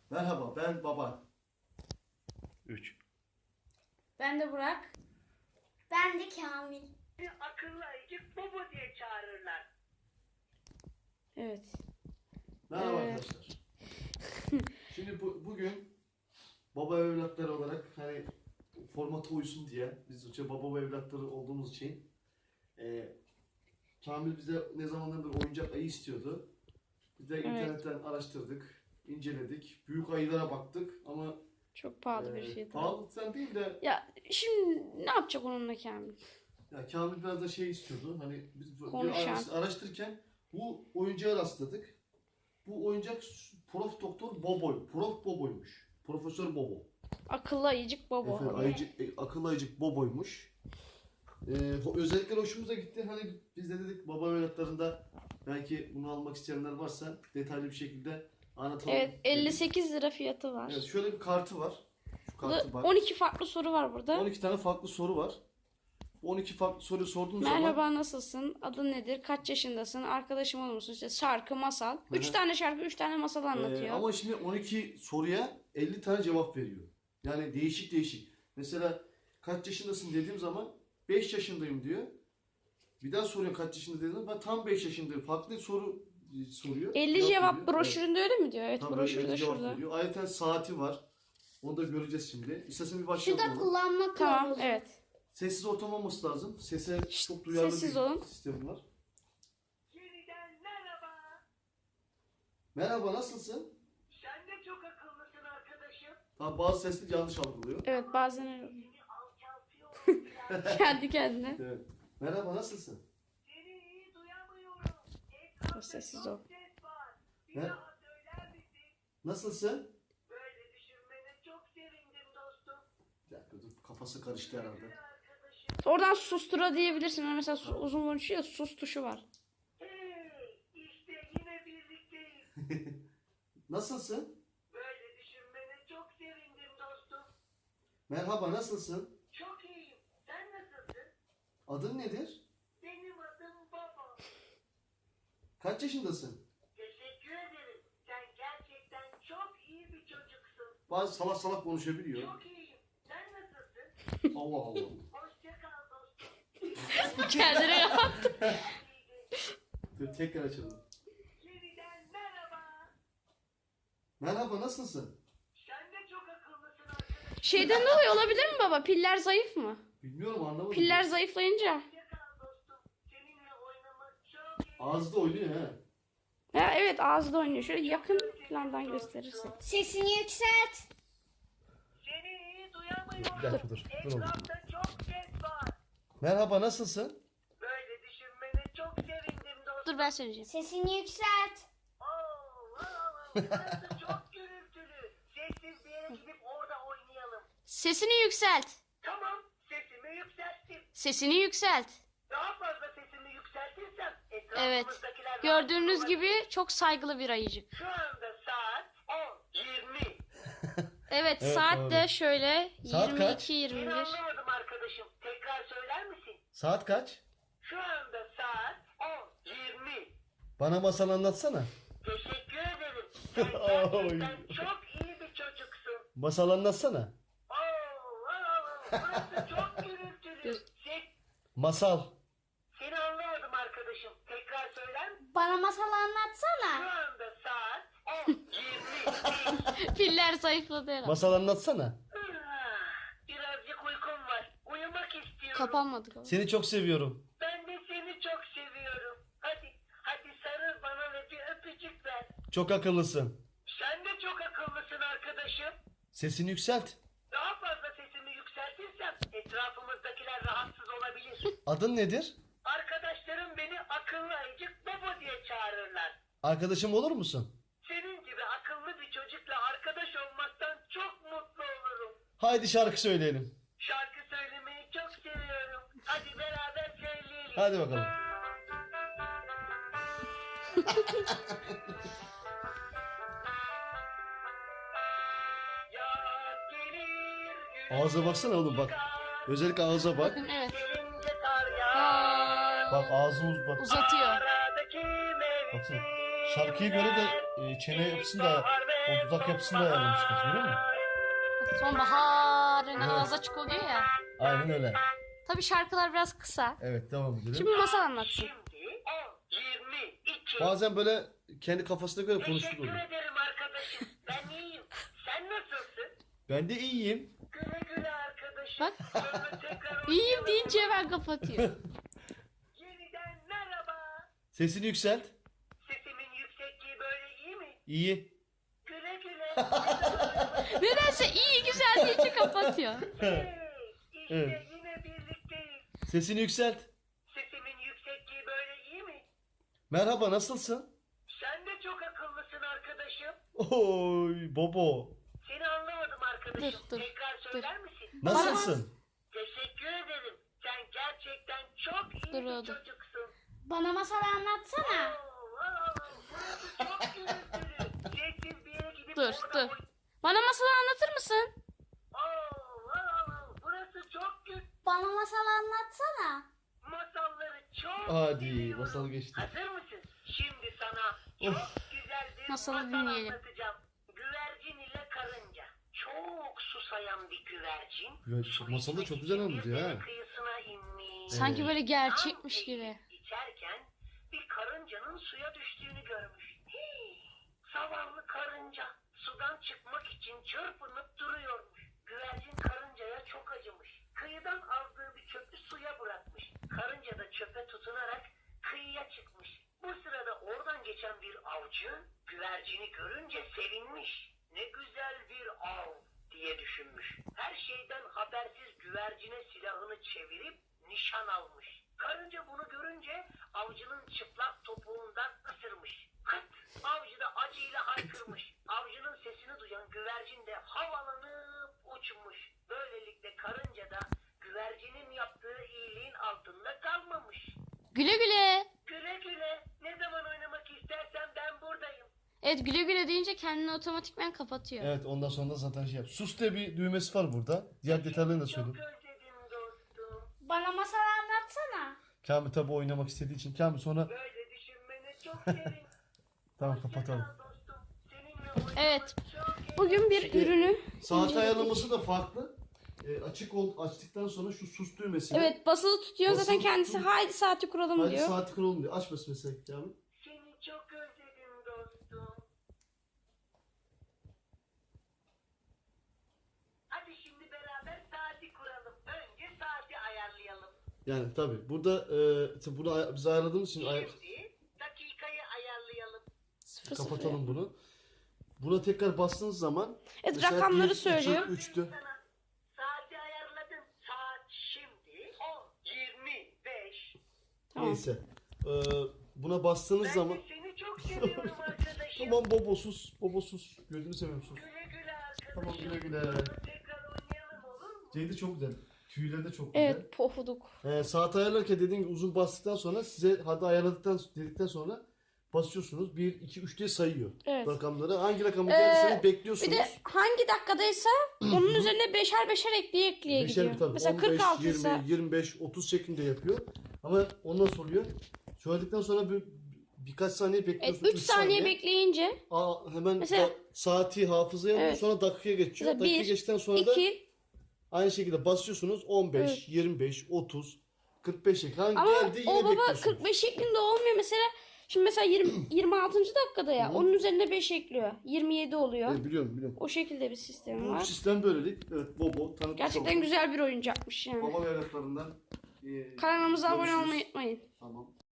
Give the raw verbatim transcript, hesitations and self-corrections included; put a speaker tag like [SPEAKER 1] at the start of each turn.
[SPEAKER 1] Merhaba, ben Baba.
[SPEAKER 2] üç.
[SPEAKER 3] Ben de Burak.
[SPEAKER 4] Ben de Kamil.
[SPEAKER 5] Akıllı ayıcık Bobo diye çağırırlar.
[SPEAKER 3] Evet.
[SPEAKER 1] Merhaba
[SPEAKER 3] Ee,
[SPEAKER 1] arkadaşlar. Şimdi bu, bugün baba evlatları olarak hani formata uysun diye biz işte baba evlatları olduğumuz için e, Kamil bize ne zamandan beri oyuncak ayı istiyordu. Biz de
[SPEAKER 3] Evet.
[SPEAKER 1] internetten araştırdık, inceledik, büyük ayılara baktık ama
[SPEAKER 3] Çok pahalı bir
[SPEAKER 1] e,
[SPEAKER 3] şey tabii.
[SPEAKER 1] pahalılıktan değil de
[SPEAKER 3] Ya şimdi ne yapacak onunla Kamil?
[SPEAKER 1] ya Kamil biraz da şey istiyordu. Hani biz bir
[SPEAKER 3] Konuşan.
[SPEAKER 1] araş- araştırırken bu oyuncağa rastladık. Bu oyuncak Prof Doktor Boboy. Prof Boboymuş. Profesör Bobo.
[SPEAKER 3] Akıllı ayıcık baba.
[SPEAKER 1] Efendim, ayıcık, e, akıllı ayıcık Boboymuş. Ee, ho- özellikle hoşumuza gitti. Hani biz de dedik baba evlatlarında belki bunu almak isteyenler varsa detaylı bir şekilde anlatalım.
[SPEAKER 3] Evet, elli
[SPEAKER 1] dedik.
[SPEAKER 3] sekiz lira fiyatı var.
[SPEAKER 1] Evet, şöyle bir kartı var. Şu kartı
[SPEAKER 3] Burada
[SPEAKER 1] bak.
[SPEAKER 3] on iki farklı soru var burada.
[SPEAKER 1] on iki tane farklı soru var. Bu on iki farklı soruyu sorduğunuz
[SPEAKER 3] Merhaba,
[SPEAKER 1] zaman
[SPEAKER 3] nasılsın? Adın nedir? Kaç yaşındasın? Arkadaşım olur musun? İşte şarkı, masal. Üç
[SPEAKER 1] hı.
[SPEAKER 3] tane şarkı, üç tane masal anlatıyor.
[SPEAKER 1] Ee, ama şimdi on iki soruya elli tane cevap veriyor. Yani değişik değişik. Mesela kaç yaşındasın dediğim zaman beş yaşındayım diyor. Bir daha soruyor kaç yaşında dediğim zaman ben tam beş yaşındayım. Farklı soru e, soruyor.
[SPEAKER 3] elli cevap
[SPEAKER 1] veriyor.
[SPEAKER 3] broşüründe öyle mi diyor? Evet,
[SPEAKER 1] Tabii,
[SPEAKER 3] broşürde
[SPEAKER 1] elli cevap
[SPEAKER 3] şurada.
[SPEAKER 1] veriyor. Ayrıca saati var. Onu da göreceğiz şimdi. İstersen bir
[SPEAKER 4] Şu
[SPEAKER 1] başlayalım.
[SPEAKER 4] da
[SPEAKER 1] ona.
[SPEAKER 4] kullanma
[SPEAKER 3] Tamam,
[SPEAKER 4] kılavuzu.
[SPEAKER 3] evet.
[SPEAKER 1] Sessiz ortam olması lazım. Sese çok duyarlı
[SPEAKER 3] sessiz
[SPEAKER 1] bir
[SPEAKER 3] olun.
[SPEAKER 1] sistem var.
[SPEAKER 5] Yeniden merhaba.
[SPEAKER 1] Merhaba, nasılsın?
[SPEAKER 5] Sen de çok akıllısın arkadaşım.
[SPEAKER 1] Tabii bazı sesli yanlış algılıyor.
[SPEAKER 3] Evet, bazen öyle oluyor.
[SPEAKER 5] Seni alçaltıyorum biraz.
[SPEAKER 3] Kendi kendine.
[SPEAKER 1] Evet. Merhaba, nasılsın?
[SPEAKER 5] Seni iyi duyamıyorum. Etrafta
[SPEAKER 3] Sessiz
[SPEAKER 5] çok
[SPEAKER 3] ol.
[SPEAKER 5] ses var. Bir
[SPEAKER 1] Ne?
[SPEAKER 5] daha söyler misin?
[SPEAKER 1] Nasılsın?
[SPEAKER 5] Böyle düşünmene çok sevindim dostum.
[SPEAKER 1] Bir dakika dur, kafası karıştı herhalde.
[SPEAKER 5] Güzel arkadaşım.
[SPEAKER 3] Oradan sustura diyebilirsin. Yani mesela su- uzun konuşuyor, sus tuşu var.
[SPEAKER 5] Hey, işte yine birlikteyiz.
[SPEAKER 1] Nasılsın?
[SPEAKER 5] Böyle düşünmene çok sevindim dostum.
[SPEAKER 1] Merhaba, nasılsın?
[SPEAKER 5] Çok iyiyim. Sen nasılsın?
[SPEAKER 1] Adın nedir?
[SPEAKER 5] Benim adım Baba.
[SPEAKER 1] Kaç yaşındasın?
[SPEAKER 5] Teşekkür ederim. Sen gerçekten çok iyi bir çocuksun.
[SPEAKER 1] Bazı salak salak konuşabiliyor.
[SPEAKER 5] Çok iyiyim. Sen nasılsın?
[SPEAKER 1] Allah Allah.
[SPEAKER 5] Hoşça kal dostum.
[SPEAKER 3] Kendine kapattı.
[SPEAKER 1] Dur tekrar açalım.
[SPEAKER 5] Yeniden merhaba.
[SPEAKER 1] Merhaba, nasılsın?
[SPEAKER 5] Sen de çok akıllısın arkadaşım.
[SPEAKER 3] Şeyden dolayı olabilir mi baba? Piller zayıf mı?
[SPEAKER 1] Bilmiyorum, anlamadım.
[SPEAKER 3] Piller zayıflayınca.
[SPEAKER 5] Hoşça kal dostum. Seninle oynamak çok iyi.
[SPEAKER 1] Ağızda oynuyor he.
[SPEAKER 3] Ha, evet, ağızda oynuyor. Şöyle yakın plandan gösterirse.
[SPEAKER 4] Sesini yükselt.
[SPEAKER 5] Seni iyi duyamıyorum.
[SPEAKER 1] Bir dakika dur. Dur oğlum.
[SPEAKER 5] Etrafta çok ses var.
[SPEAKER 1] Merhaba, nasılsın?
[SPEAKER 5] Böyle düşünmene çok sevindim dostum.
[SPEAKER 3] Dur ben söyleyeceğim.
[SPEAKER 4] Sesini yükselt.
[SPEAKER 5] Oo, wow, burası çok gürültülü. Sessiz bir yere gidip orada oynayalım.
[SPEAKER 3] Sesini yükselt.
[SPEAKER 5] Tamam, sesimi yükselttim.
[SPEAKER 3] Sesini yükselt.
[SPEAKER 5] Daha fazla sesimi yükseltirsem
[SPEAKER 3] Evet.
[SPEAKER 5] etrafımızdakiler...
[SPEAKER 3] Gördüğünüz
[SPEAKER 5] rahatsız
[SPEAKER 3] gibi
[SPEAKER 5] olabilir.
[SPEAKER 3] çok saygılı bir ayıcık.
[SPEAKER 5] Şu anda saat on yirmi.
[SPEAKER 3] Evet,
[SPEAKER 1] Evet,
[SPEAKER 3] saat
[SPEAKER 1] doğru.
[SPEAKER 3] de şöyle
[SPEAKER 1] Saat
[SPEAKER 3] yirmi
[SPEAKER 1] kaç?
[SPEAKER 3] iki yirmi
[SPEAKER 5] Seni
[SPEAKER 3] bir.
[SPEAKER 5] anlamadım arkadaşım. Tekrar söyler misin?
[SPEAKER 1] Saat kaç?
[SPEAKER 5] Şu anda saat on yirmi.
[SPEAKER 1] Bana masal anlatsana.
[SPEAKER 5] Teşekkür ederim. Sen
[SPEAKER 1] Oy.
[SPEAKER 5] gerçekten çok iyi bir çocuksun.
[SPEAKER 1] Masal anlatsana.
[SPEAKER 5] Oo, wow, burası çok gürültülü. Ses,
[SPEAKER 1] Masal.
[SPEAKER 5] seni anlamadım arkadaşım. Tekrar söyler misin?
[SPEAKER 4] Bana masal
[SPEAKER 5] Şu
[SPEAKER 4] anlatsana.
[SPEAKER 5] anda saat on yirmi.
[SPEAKER 3] Piller zayıfladı herhalde.
[SPEAKER 1] Masal anlatsana.
[SPEAKER 5] Birazcık uykum var. Uyumak istiyorum.
[SPEAKER 3] Kapanmadı galiba.
[SPEAKER 1] Seni çok seviyorum.
[SPEAKER 5] Ben de seni çok seviyorum. Hadi, hadi sarıl bana ve bir öpücük ver.
[SPEAKER 1] Çok akıllısın.
[SPEAKER 5] Sen de çok akıllısın arkadaşım.
[SPEAKER 1] Sesini yükselt.
[SPEAKER 5] Daha fazla sesimi yükseltirsem etrafımızdakiler rahatsız olabilir.
[SPEAKER 1] Adın nedir?
[SPEAKER 5] Arkadaşlarım beni akıllı ayıcık Bobo diye çağırırlar.
[SPEAKER 1] Arkadaşım olur musun?
[SPEAKER 5] Senin gibi akıllı bir çocukla arkadaş olmaktan çok mutlu olurum.
[SPEAKER 1] Haydi şarkı söyleyelim.
[SPEAKER 5] Şarkı söylemeyi çok seviyorum. Hadi beraber söyleyelim.
[SPEAKER 1] Hadi bakalım.
[SPEAKER 5] Yaz gelir, gün
[SPEAKER 1] Ağza baksana oğlum bak. Özellikle ağza bak.
[SPEAKER 3] Evet.
[SPEAKER 5] gelince kar yağar.
[SPEAKER 3] Aa,
[SPEAKER 1] Bak ağzımız bak.
[SPEAKER 3] uzatıyor.
[SPEAKER 5] Aradaki
[SPEAKER 1] Baksana.
[SPEAKER 5] mevsimler
[SPEAKER 1] Şarkıya göre de e, çene yapısını da
[SPEAKER 5] bahar ve
[SPEAKER 1] O dudak yapısını da ayarlamışlar, biliyor musun?
[SPEAKER 3] Sonbaharın
[SPEAKER 1] Evet.
[SPEAKER 3] ağız açık oluyor ya.
[SPEAKER 1] Aynen öyle.
[SPEAKER 3] Tabii şarkılar biraz kısa.
[SPEAKER 1] Evet, devam edelim.
[SPEAKER 3] Şimdi masal anlatsın.
[SPEAKER 5] Şimdi on, yirmi, iki.
[SPEAKER 1] Bazen böyle kendi kafasına göre
[SPEAKER 5] Teşekkür
[SPEAKER 1] konuşturuyor.
[SPEAKER 5] ederim arkadaşım. Ben iyiyim. Sen nasılsın?
[SPEAKER 1] Ben de iyiyim.
[SPEAKER 5] Güle güle arkadaşım.
[SPEAKER 3] Bak.
[SPEAKER 5] Sonra tekrar
[SPEAKER 3] İyiyim
[SPEAKER 5] oynayalım.
[SPEAKER 3] deyince hemen kapatıyor.
[SPEAKER 5] Yeniden merhaba.
[SPEAKER 1] Sesini yükselt.
[SPEAKER 5] Sesimin yüksekliği böyle iyi mi?
[SPEAKER 1] İyi.
[SPEAKER 5] Güle güle.
[SPEAKER 3] Nedense iyi güzel deyince kapatıyor.
[SPEAKER 5] Hey, işte
[SPEAKER 1] Evet.
[SPEAKER 5] yine birlikteyiz.
[SPEAKER 1] Sesini yükselt.
[SPEAKER 5] Sesimin yüksekliği böyle iyi mi?
[SPEAKER 1] Merhaba, nasılsın?
[SPEAKER 5] Sen de çok akıllısın arkadaşım.
[SPEAKER 1] Oy Bobo.
[SPEAKER 5] Seni anlamadım arkadaşım.
[SPEAKER 3] Dur, dur,
[SPEAKER 5] Tekrar söyler misin?
[SPEAKER 1] Nasılsın?
[SPEAKER 5] Teşekkür ederim. Sen gerçekten çok iyi
[SPEAKER 3] Dur
[SPEAKER 5] bir
[SPEAKER 3] oğlum.
[SPEAKER 5] çocuksun.
[SPEAKER 4] Bana masal anlatsana.
[SPEAKER 5] Oo, wow, burası çok gürültülü. Sessiz bir yere gidip
[SPEAKER 3] Dur,
[SPEAKER 5] orada
[SPEAKER 3] dur.
[SPEAKER 5] oyn-
[SPEAKER 3] Bana masalı anlatır mısın?
[SPEAKER 5] Oo, wow, burası çok gürültülü.
[SPEAKER 4] Bana masal anlatsana.
[SPEAKER 5] Masalları çok
[SPEAKER 1] Hadi,
[SPEAKER 5] seviyorum.
[SPEAKER 1] masal geçti.
[SPEAKER 5] Hazır mısın? Şimdi sana çok güzel bir
[SPEAKER 3] Masalı
[SPEAKER 5] masal
[SPEAKER 3] dinleyelim.
[SPEAKER 5] anlatacağım. Güvercin ile karınca. Çok susayan bir güvercin.
[SPEAKER 1] Güvercin, masalı çok güzel anlatıyor ha.
[SPEAKER 5] Deniz kıyısına inmiş.
[SPEAKER 3] Sanki böyle gerçekmiş gibi.
[SPEAKER 5] İçerken bir karıncanın suya düştüğünü görmüş. Hii, zavallı karınca sudan çıkmak için çırpınıp duruyormuş. Güvercin karıncaya çok acımış. Kıyıdan aldığı bir çöpü suya bırakmış. Karınca da çöpe tutunarak kıyıya çıkmış. Bu sırada oradan geçen bir avcı güvercini görünce sevinmiş. Ne güzel bir av diye düşünmüş. Her şeyden habersiz güvercine silahını çevirip nişan almış. Karınca bunu görünce avcının çıplak topuğundan ısırmış. Kıt! Avcı da acıyla haykırmış. Avcının sesini duyan güvercin de havalanıp uçmuş. Böylelikle karınca da güvercinin yaptığı iyiliğin altında kalmamış.
[SPEAKER 3] Güle güle.
[SPEAKER 5] Güle güle. Ne zaman oynamak istersen ben buradayım.
[SPEAKER 3] Evet, güle güle deyince kendini otomatikman kapatıyor.
[SPEAKER 1] Evet, ondan sonra da zaten şey yap. Sus diye bir düğmesi var burada. Diğer detaylarını da
[SPEAKER 5] Çok
[SPEAKER 1] söyleyeyim.
[SPEAKER 5] özledim dostum.
[SPEAKER 4] Bana masal anlatsana.
[SPEAKER 1] Kamil tabi oynamak istediği için. Kamil sonra
[SPEAKER 5] Böyle düşünmene çok sevindim.
[SPEAKER 1] tamam kapatalım.
[SPEAKER 5] Hoşça kal dostum. Seninle oynamak
[SPEAKER 3] Evet.
[SPEAKER 5] çok iyi.
[SPEAKER 3] Bugün bir
[SPEAKER 1] Şimdi
[SPEAKER 3] ürünü
[SPEAKER 1] saat
[SPEAKER 3] inceledik.
[SPEAKER 1] ayarlaması da farklı. E, açık ol, açtıktan sonra şu sus düğmesini.
[SPEAKER 3] Evet, basılı tutuyor. Zaten
[SPEAKER 1] Basılı
[SPEAKER 3] kendisi
[SPEAKER 1] tutun.
[SPEAKER 3] haydi saati kuralım
[SPEAKER 1] Hadi
[SPEAKER 3] diyor.
[SPEAKER 1] saati kuralım diyor. Açmasın mesela Kamil.
[SPEAKER 5] Seni çok özledim dostum. Hadi şimdi beraber saati kuralım. Önce saati ayarlayalım.
[SPEAKER 1] Yani tabi burada e, tabii bunu ay- biz ayarladığımız için ay-
[SPEAKER 5] Şimdi dakikayı ayarlayalım.
[SPEAKER 3] Sıfır sıfır.
[SPEAKER 1] kapatalım bunu. Buna tekrar bastığınız zaman
[SPEAKER 3] Evet,
[SPEAKER 1] mesela
[SPEAKER 3] rakamları
[SPEAKER 1] bir, iki,
[SPEAKER 3] söylüyor.
[SPEAKER 1] üçtü.
[SPEAKER 5] Sana saati ayarladım. Saat şimdi on yirmi beş.
[SPEAKER 3] Tamam.
[SPEAKER 1] Neyse. E, buna bastığınız
[SPEAKER 5] Ben
[SPEAKER 1] zaman
[SPEAKER 5] de seni çok seviyorum arkadaşım.
[SPEAKER 1] tamam Bobo sus. Bobo sus. Gözünü seveyim sus.
[SPEAKER 5] Güle güle arkadaşım.
[SPEAKER 1] Tamam, güle güle.
[SPEAKER 5] Tekrar oynayalım olur mu?
[SPEAKER 1] Ceydi çok güzel. Tüyleri de çok güzel.
[SPEAKER 3] Evet, pofuduk.
[SPEAKER 1] Ee, saat ayarlarken dediğim gibi uzun bastıktan sonra size hadi ayarladıktan dedikten sonra basıyorsunuz. bir, iki, üç diye sayıyor
[SPEAKER 3] Evet.
[SPEAKER 1] rakamları. Hangi rakamı
[SPEAKER 3] Ee,
[SPEAKER 1] gelirse
[SPEAKER 3] Bir
[SPEAKER 1] bekliyorsunuz.
[SPEAKER 3] de hangi dakikadaysa onun üzerine beşer beşer ekleye ekleye
[SPEAKER 1] Beşer
[SPEAKER 3] gidiyor.
[SPEAKER 1] bir tabii.
[SPEAKER 3] Mesela
[SPEAKER 1] on beş,
[SPEAKER 3] kırk altı ise
[SPEAKER 1] yirmi, yirmi beş, otuz şeklinde yapıyor. Ama ondan sonra oluyor. Söyledikten sonra bir, birkaç saniye
[SPEAKER 3] evet,
[SPEAKER 1] bekliyorsunuz.
[SPEAKER 3] üç saniye bekleyince
[SPEAKER 1] Aa, hemen
[SPEAKER 3] Mesela-
[SPEAKER 1] da saati hafızaya alıyor,
[SPEAKER 3] Evet.
[SPEAKER 1] sonra dakikaya geçiyor.
[SPEAKER 3] Mesela
[SPEAKER 1] Dakika
[SPEAKER 3] bir,
[SPEAKER 1] geçtikten sonra da
[SPEAKER 3] iki
[SPEAKER 1] aynı şekilde basıyorsunuz. on beş,
[SPEAKER 3] Evet.
[SPEAKER 1] yirmi beş, otuz, kırk beş şeklinde. Hangi
[SPEAKER 3] ama
[SPEAKER 1] geldi yine
[SPEAKER 3] o baba
[SPEAKER 1] bekliyorsunuz.
[SPEAKER 3] kırk beş şeklinde olmuyor. Mesela şimdi mesela yirmi, yirmi altıncı dakikada ya
[SPEAKER 1] Hı.
[SPEAKER 3] onun üzerine beş ekliyor. yirmi yedi oluyor.
[SPEAKER 1] Evet, biliyorum biliyorum.
[SPEAKER 3] O şekilde bir sistemi
[SPEAKER 1] Bu
[SPEAKER 3] var.
[SPEAKER 1] sistem böylelik. Evet, Bobo tanıtmış
[SPEAKER 3] Gerçekten
[SPEAKER 1] olduk.
[SPEAKER 3] güzel bir oyuncakmış yani.
[SPEAKER 1] Baba ve evlatlarından. e,
[SPEAKER 3] Kanalımıza abone
[SPEAKER 1] görüşürüz.
[SPEAKER 3] olmayı unutmayın.
[SPEAKER 1] Tamam.